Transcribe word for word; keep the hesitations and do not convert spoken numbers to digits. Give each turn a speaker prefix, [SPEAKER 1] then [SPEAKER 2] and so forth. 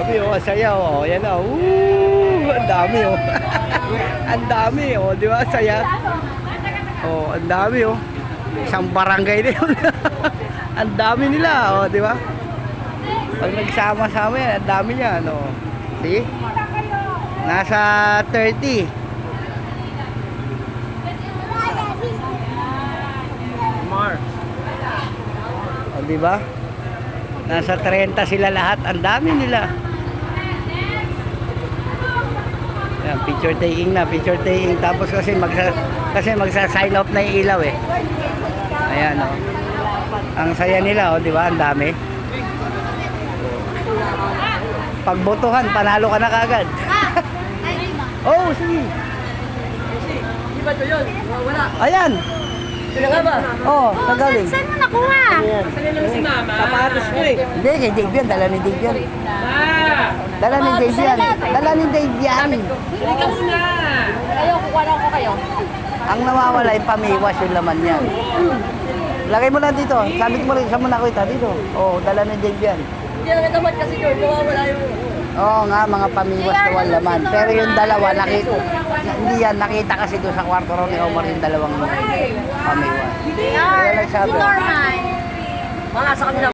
[SPEAKER 1] dami oh, saya oh. Yan na. Woo! Ang dami oh. Ang dami oh, di ba? Saya. Oh, ang dami oh. Isang barangay din. Ang dami nila oh, di ba? Pag nagsama-sama yan, ang dami niya, no. See? Nasa thirty.
[SPEAKER 2] Mar.
[SPEAKER 1] O, di ba? Nasa thirty sila lahat. Ang dami nila. Ayan, picture taking na, picture taking. Tapos kasi magsa kasi magsa-sign off na yung ilaw eh. Ayan oh. Ang saya nila oh, di ba? Ang dami. Pagbotohan, panalo ka na kagad. Oh, sige.
[SPEAKER 2] Di ba ito yun? Wala.
[SPEAKER 1] Ayan.
[SPEAKER 2] Sino nga ba?
[SPEAKER 1] Oh, nagaling.
[SPEAKER 3] Saan mo nakuha?
[SPEAKER 2] Saan lang si Mama? Sapatos ko eh.
[SPEAKER 1] Hindi, kay Dave yan. Dala ni Dave yan.
[SPEAKER 2] Ah!
[SPEAKER 1] Dala ni Dave yan. Dala ni Dave yan.
[SPEAKER 2] Hindi ka muna!
[SPEAKER 3] Kayo, kukuha lang ko kayo.
[SPEAKER 1] Ang nawawala yung pamiwas yung laman yan. Lagay mo lang dito. Sabit mo rin. Saan mo nakita dito? Oh, dala ni Dave yan.
[SPEAKER 2] Hindi na natamad kasi yun. Nawawala yung...
[SPEAKER 1] Oo nga, mga pamiwas na walang laman. Pero yung dalawa, nakita. Hindi yan, nakita kasi doon sa kwarto ron ni Omar yung dalawang pamiwas. Kaya nagsabi.
[SPEAKER 3] Normal.
[SPEAKER 2] Mga sa kanila.